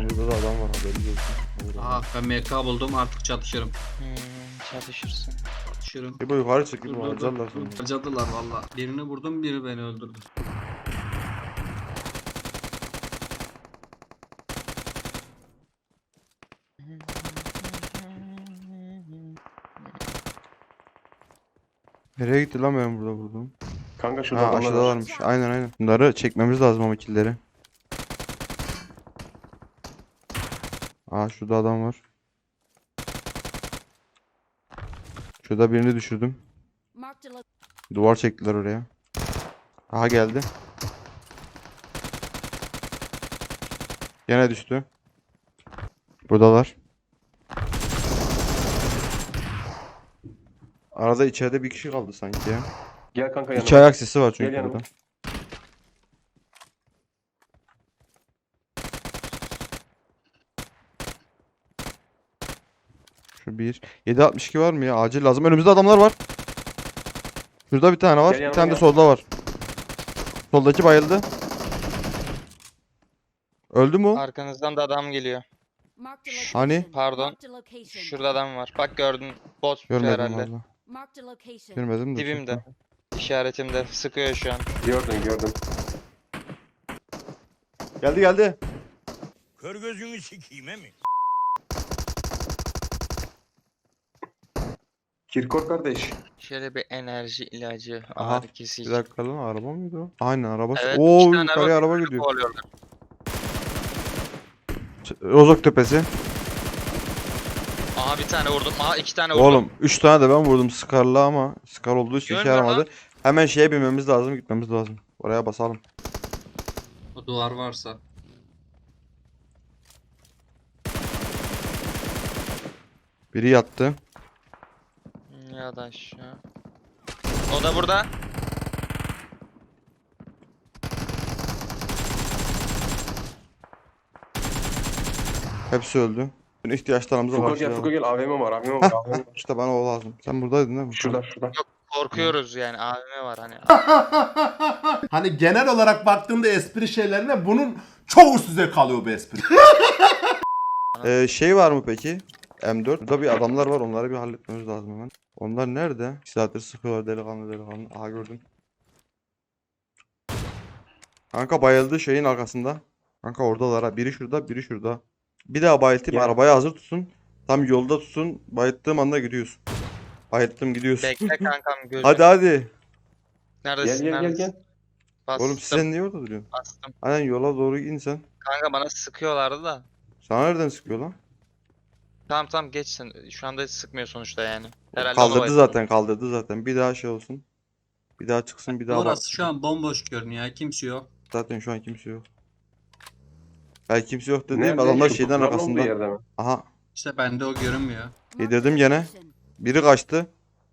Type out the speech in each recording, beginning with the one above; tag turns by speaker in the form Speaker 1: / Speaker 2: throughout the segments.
Speaker 1: Arkamızda da adam var, haberiniz olsun.
Speaker 2: Aha ben MK buldum, artık çatışırım.
Speaker 3: Çalışırsın.
Speaker 2: Çatışırım.
Speaker 1: İbo yukarı çık,
Speaker 2: Dur
Speaker 1: İbo
Speaker 2: dur dur.
Speaker 1: harcarlar seni.
Speaker 2: Harcadılar valla. Birini vurdum, biri beni öldürdü.
Speaker 1: Nereye gitti lan ben burada vurdum?
Speaker 4: Kanka şurada
Speaker 1: Ha
Speaker 4: adamlar var.
Speaker 1: aşağıdalarmış. Aynen aynen. Bunları çekmemiz lazım ama killleri. Aa şurada adam var. Şurada birini düşürdüm.
Speaker 5: Marked a lo-
Speaker 1: Duvar çektiler oraya. Aha geldi. Gene düştü. Buradalar. Arada içeride bir kişi kaldı sanki ya.
Speaker 4: Gel kanka yanıma.
Speaker 1: İki ayak sesi var çünkü
Speaker 4: Gel yanıma.
Speaker 1: burada. Şu bir. 7.62 var mı ya? Acil lazım. Önümüzde adamlar var. Şurada bir tane var.
Speaker 4: Gel
Speaker 1: Bir
Speaker 4: yanıma
Speaker 1: tane de
Speaker 4: gel.
Speaker 1: solda var. Soldaki bayıldı. Öldü mü o?
Speaker 3: Arkanızdan da adam geliyor.
Speaker 5: marked a location.
Speaker 1: Hani?
Speaker 3: Pardon.
Speaker 5: Marked a location.
Speaker 3: Şurada adam var. Bak gördün. Bot
Speaker 1: Görmedim
Speaker 3: herhalde.
Speaker 1: valla.
Speaker 5: Marked a location.
Speaker 1: Görmedim de.
Speaker 3: Dibimde. İşaretimde. Sıkıyor şu an.
Speaker 4: Gördüm.
Speaker 1: Geldi geldi.
Speaker 6: Kör gözünü sikeyim mi?
Speaker 4: Kirkor kardeş.
Speaker 3: Şöyle bir enerji ilacı.
Speaker 1: Aha,
Speaker 3: Ağrı kesici.
Speaker 1: Bir dakika lan, araba mıydı o? Aynen araba.
Speaker 3: Evet,
Speaker 1: Oo
Speaker 3: iki tane
Speaker 1: yukarıya araba
Speaker 3: birbirini
Speaker 1: gidiyor.
Speaker 3: kovalıyorlar.
Speaker 1: Rozok tepesi.
Speaker 3: Aha bir tane vurdum. Aha iki tane vurdum.
Speaker 1: Oğlum 3 tane de ben vurdum Scar'la ama Scar olduğu için işe
Speaker 3: Görmüyor lan.
Speaker 1: yaramadı. Hemen şeye binmemiz lazım, gitmemiz lazım. Oraya basalım.
Speaker 2: O duvar varsa.
Speaker 1: Biri yattı.
Speaker 3: Ya da aşağı. O da burada.
Speaker 1: Hepsi öldü. Bütün ihtiyaçlarımızı
Speaker 4: Fuko gel Fuko
Speaker 1: karşılayalım.
Speaker 4: gel. AVM var. AVM var.
Speaker 1: Hah,
Speaker 4: AVM var.
Speaker 1: İşte bana o lazım. Sen buradaydın değil mi?
Speaker 4: Şurada.
Speaker 3: Korkuyoruz yani. AVM var hani.
Speaker 7: Hani genel olarak baktığımda espri şeylerine bunun çok üst düzey kalıyor bu espri.
Speaker 1: Şey var mı peki? M4. Burada bir adamlar var. Onları bir halletmemiz lazım hemen. Onlar nerede? 2 saattir sıkıyorlar delikanlı. Aha gördüm. Kanka bayıldı şeyin arkasında. Kanka oradalar ha. Biri şurada, biri şurada. Bir daha bayıltayım.
Speaker 4: Gel.
Speaker 1: Arabayı hazır tutsun. Tam yolda tutsun. Bayılttığım anda gidiyorsun. Bayılttım gidiyorsun.
Speaker 3: Bekle kankam gözüm.
Speaker 1: Hadi.
Speaker 3: Neredesin?
Speaker 4: Gel.
Speaker 3: Neredesin? Bastım.
Speaker 1: Oğlum sen niye orada duruyorsun?
Speaker 3: Bastım.
Speaker 1: Aynen yola doğru in sen.
Speaker 3: Kanka bana sıkıyorlardı da.
Speaker 1: Sana nereden sıkıyor lan?
Speaker 3: Tamam geçsin. Şu anda sıkmıyor sonuçta yani. Herhalde
Speaker 1: Kaldırdı zaten. Bir daha şey olsun. Bir daha çıksın, bir daha bak.
Speaker 2: Orası şu an bomboş görünüyor. Kimse yok.
Speaker 1: Zaten şu an kimse yok. Belki kimse yok dediğim
Speaker 4: Nerede?
Speaker 1: adamlar
Speaker 4: Şu
Speaker 1: şeyden
Speaker 4: kutuların olduğu
Speaker 1: arkasında.
Speaker 4: yerde mi?
Speaker 1: Aha,
Speaker 2: İşte bende o görünmüyor.
Speaker 5: Marked
Speaker 1: yedirdim
Speaker 5: a
Speaker 1: gene.
Speaker 5: location.
Speaker 1: Biri kaçtı.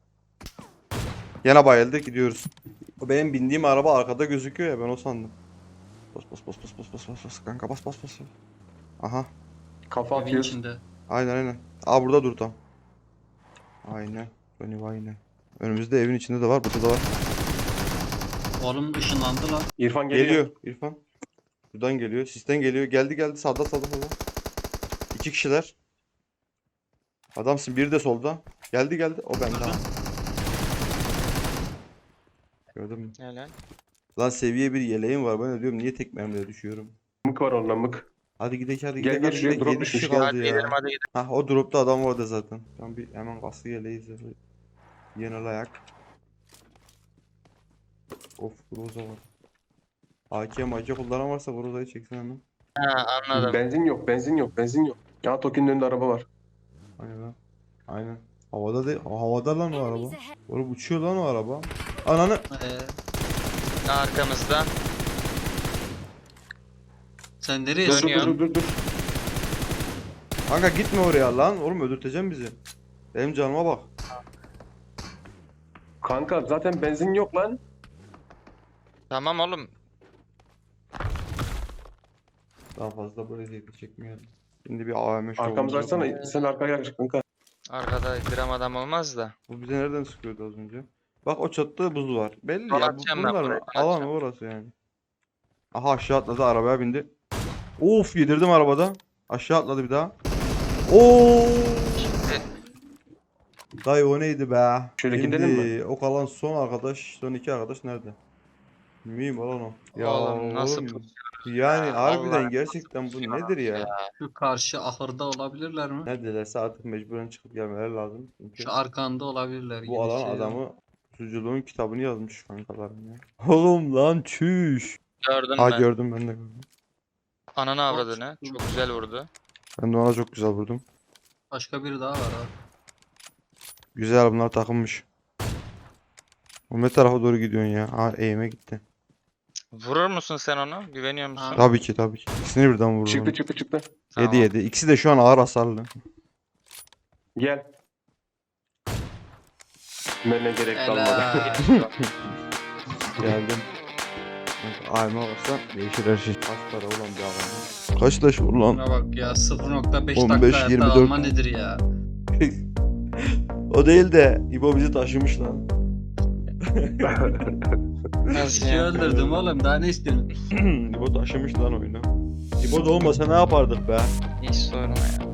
Speaker 1: Gene bayıldı, gidiyoruz. O benim bindiğim araba arkada gözüküyor ya, ben o sandım. Bas kanka bas. Aha,
Speaker 4: Kafa
Speaker 2: Evin
Speaker 4: atıyoruz.
Speaker 2: içinde.
Speaker 1: aynen. Aa burada dur tam. Aynen. Aynen. Önümüzde evin içinde de var, burada da var.
Speaker 2: Oğlum ışınlandı lan.
Speaker 4: İrfan geliyor.
Speaker 1: Geliyor İrfan. Buradan geliyor. Sisten geliyor. Geldi. Sağda. 2 kişiler. Adamsın. Biri de solda. Geldi. O bende. Ha. Gördün mü?
Speaker 3: Helal.
Speaker 1: Lan seviye bir yeleğim var. Ben de diyorum niye tek mermiye düşüyorum.
Speaker 4: Mık var onunla mık.
Speaker 1: Hadi gidelim.
Speaker 4: Gel, şuraya drop
Speaker 1: 7 kişi
Speaker 4: düşmüş.
Speaker 1: kaldı
Speaker 3: Hadi
Speaker 1: ya.
Speaker 3: gidelim hadi gidelim.
Speaker 1: Hah o dropta adam vardı zaten. Tam bir hemen kaskı yeleği zırhı. Genel ayak. Of Groza var. AK kullanan varsa Groza'yı çeksin hemen.
Speaker 3: Ha anladım.
Speaker 4: Benzin yok. Ya Toki'nin önünde araba var.
Speaker 1: Aynen. Havada değil. Havada lan o araba.
Speaker 5: Enemies ahead.
Speaker 1: Oğlum uçuyor lan o araba. Ananı.
Speaker 3: Arkamızda.
Speaker 2: Sen nereye
Speaker 4: Dur
Speaker 2: sıkıyorsun?
Speaker 4: dur.
Speaker 1: Kanka gitme oraya lan. Oğlum öldürteceksin bizi. Benim canıma bak.
Speaker 4: Kanka zaten benzin yok lan.
Speaker 3: Tamam oğlum.
Speaker 1: Daha fazla böyle zevkli çekmeyelim. Şimdi bir AVM şovumuz
Speaker 4: Arkamızı
Speaker 1: yok mu?
Speaker 4: açsana. Sen arkaya gel kanka.
Speaker 3: Arkada gram adam olmaz da.
Speaker 1: Bu bize nereden sıkıyordu az önce? Bak o çatıda buz var. Belli ya.
Speaker 3: Atacağım ben
Speaker 1: Bunlar
Speaker 3: buraya,
Speaker 1: alan orası yani. Aha aşağı atladı, arabaya bindi. Of yedirdim arabada. Aşağı atladı bir daha. Oo!
Speaker 3: Şimdi
Speaker 1: Dayı o neydi be?
Speaker 4: Şöyle gidelim mi?
Speaker 1: O kalan son arkadaş, son iki arkadaş nerede? Mühim olan o.
Speaker 3: Oğlum nasıl
Speaker 1: oğlum,
Speaker 3: pusuyor
Speaker 1: yani
Speaker 3: ya?
Speaker 1: harbiden
Speaker 3: Vallahi
Speaker 1: gerçekten bu
Speaker 3: pusuyor
Speaker 1: nedir ya?
Speaker 2: Şu karşı ahırda olabilirler mi?
Speaker 1: Ne dilerse artık mecburen çıkıp gelmeleri lazım. Çünkü
Speaker 2: Şu arkanda olabilirler gibi
Speaker 1: bu alan
Speaker 2: hissediyorum.
Speaker 1: adamı suculuğun kitabını yazmış kankalarım ya. Oğlum lan çüş.
Speaker 3: Gördün
Speaker 1: Ha
Speaker 3: mü?
Speaker 1: gördüm ben de gördüm.
Speaker 3: Ananı avradını. Çok güzel vurdu.
Speaker 1: Ben de ona çok güzel vurdum.
Speaker 2: Başka biri daha var abi.
Speaker 1: Güzel bunlar takılmış. O ne tarafa doğru gidiyorsun ya? Ha eğime gitti.
Speaker 3: Vurur musun sen onu? Güveniyor musun?
Speaker 1: Tabii ki tabii ki. İkisini birden vurdum.
Speaker 4: Çıktı çıktı çıktı.
Speaker 1: Yedi yedi. İkisi de şu an ağır hasarlı.
Speaker 4: Gel. Bana gerek kalmadı.
Speaker 2: Helal.
Speaker 1: Geldim. Ayma varsa değişir her şey. Kaç para ulan bir adam? Kaç leş vur lan?
Speaker 2: Şuna bak ya 0.5
Speaker 1: 15,
Speaker 2: dakika hayatta
Speaker 1: 24.
Speaker 2: alma nedir ya?
Speaker 1: O değil de İbo bizi taşımış lan.
Speaker 3: Nasıl
Speaker 2: Kişi
Speaker 3: ya?
Speaker 2: öldürdüm oğlum daha ne istiyorsun?
Speaker 1: İbo taşımış lan oyunu. İbo da olmasa ne yapardık be?
Speaker 3: Hiç sorma ya.